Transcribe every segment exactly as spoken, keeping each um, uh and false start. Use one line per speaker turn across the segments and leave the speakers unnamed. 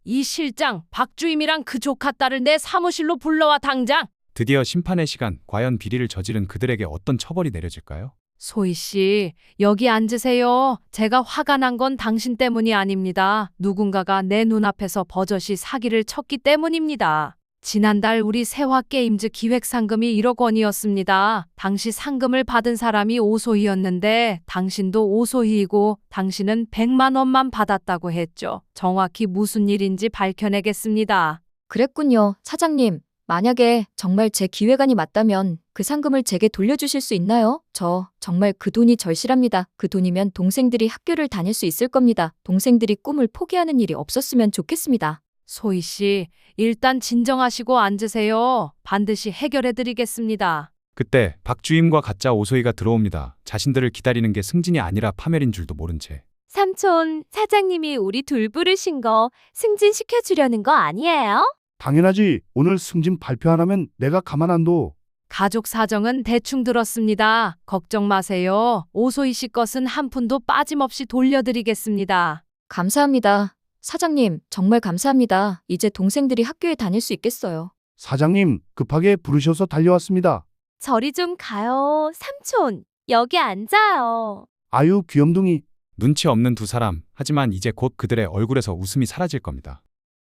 이 실장, 박주임이랑 그 조카 딸을 내 사무실로 불러와 당장.
드디어 심판의 시간. 과연 비리를 저지른 그들에게 어떤 처벌이 내려질까요?
소희 씨, 여기 앉으세요. 제가 화가 난 건 당신 때문이 아닙니다. 누군가가 내 눈앞에서 버젓이 사기를 쳤기 때문입니다. 지난달 우리 세화게임즈 기획 상금이 일억 원이었습니다. 당시 상금을 받은 사람이 오소희였는데 당신도 오소희이고 당신은 백만 원만 받았다고 했죠. 정확히 무슨 일인지 밝혀내겠습니다.
그랬군요, 사장님. 만약에 정말 제 기획안이 맞다면 그 상금을 제게 돌려주실 수 있나요? 저 정말 그 돈이 절실합니다. 그 돈이면 동생들이 학교를 다닐 수 있을 겁니다. 동생들이 꿈을 포기하는 일이 없었으면 좋겠습니다.
소희 씨, 일단 진정하시고 앉으세요. 반드시 해결해 드리겠습니다.
그때 박주임과 가짜 오소희가 들어옵니다. 자신들을 기다리는 게 승진이 아니라 파멸인 줄도 모른 채.
삼촌, 사장님이 우리 둘 부르신 거 승진시켜주려는 거 아니에요?
당연하지. 오늘 승진 발표 안 하면 내가 가만 안 둬.
가족 사정은 대충 들었습니다. 걱정 마세요. 오소희 씨 것은 한 푼도 빠짐없이 돌려드리겠습니다.
감사합니다. 사장님, 정말 감사합니다. 이제 동생들이 학교에 다닐 수 있겠어요.
사장님, 급하게 부르셔서 달려왔습니다.
저리 좀 가요. 삼촌, 여기 앉아요.
아유, 귀염둥이.
눈치 없는 두 사람. 하지만 이제 곧 그들의 얼굴에서 웃음이 사라질 겁니다.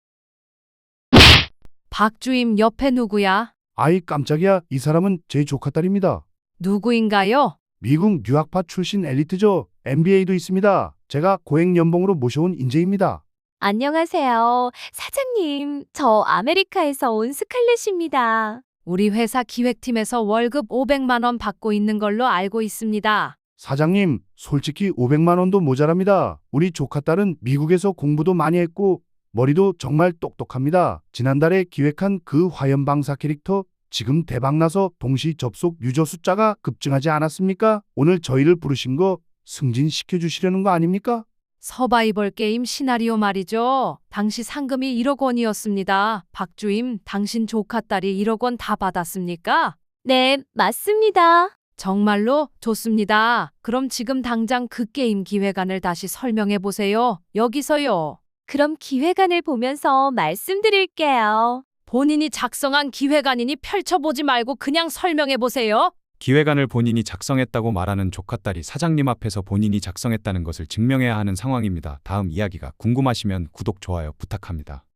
박주임 옆에 누구야?
아이 깜짝이야. 이 사람은 제 조카 딸입니다.
누구인가요?
미국 뉴학파 출신 엘리트죠. 엠비에이도 있습니다. 제가 고액 연봉으로 모셔온 인재입니다.
안녕하세요. 사장님, 저 아메리카에서 온 스칼렛입니다.
우리 회사 기획팀에서 월급 오백만 원 받고 있는 걸로 알고 있습니다.
사장님, 솔직히 오백만 원도 모자랍니다. 우리 조카 딸은 미국에서 공부도 많이 했고 머리도 정말 똑똑합니다. 지난달에 기획한 그 화염방사 캐릭터 지금 대박나서 동시 접속 유저 숫자가 급증하지 않았습니까? 오늘 저희를 부르신 거 승진시켜주시려는 거 아닙니까?
서바이벌 게임 시나리오 말이죠. 당시 상금이 일억 원이었습니다. 박주임, 당신 조카 딸이 일억 원 다 받았습니까?
네, 맞습니다.
정말로 좋습니다. 그럼 지금 당장 그 게임 기획안을 다시 설명해 보세요. 여기서요.
그럼 기획안을 보면서 말씀드릴게요.
본인이 작성한 기획안이니 펼쳐보지 말고 그냥 설명해 보세요.
기획안을 본인이 작성했다고 말하는 조카딸이 사장님 앞에서 본인이 작성했다는 것을 증명해야 하는 상황입니다. 다음 이야기가 궁금하시면 구독, 좋아요 부탁합니다.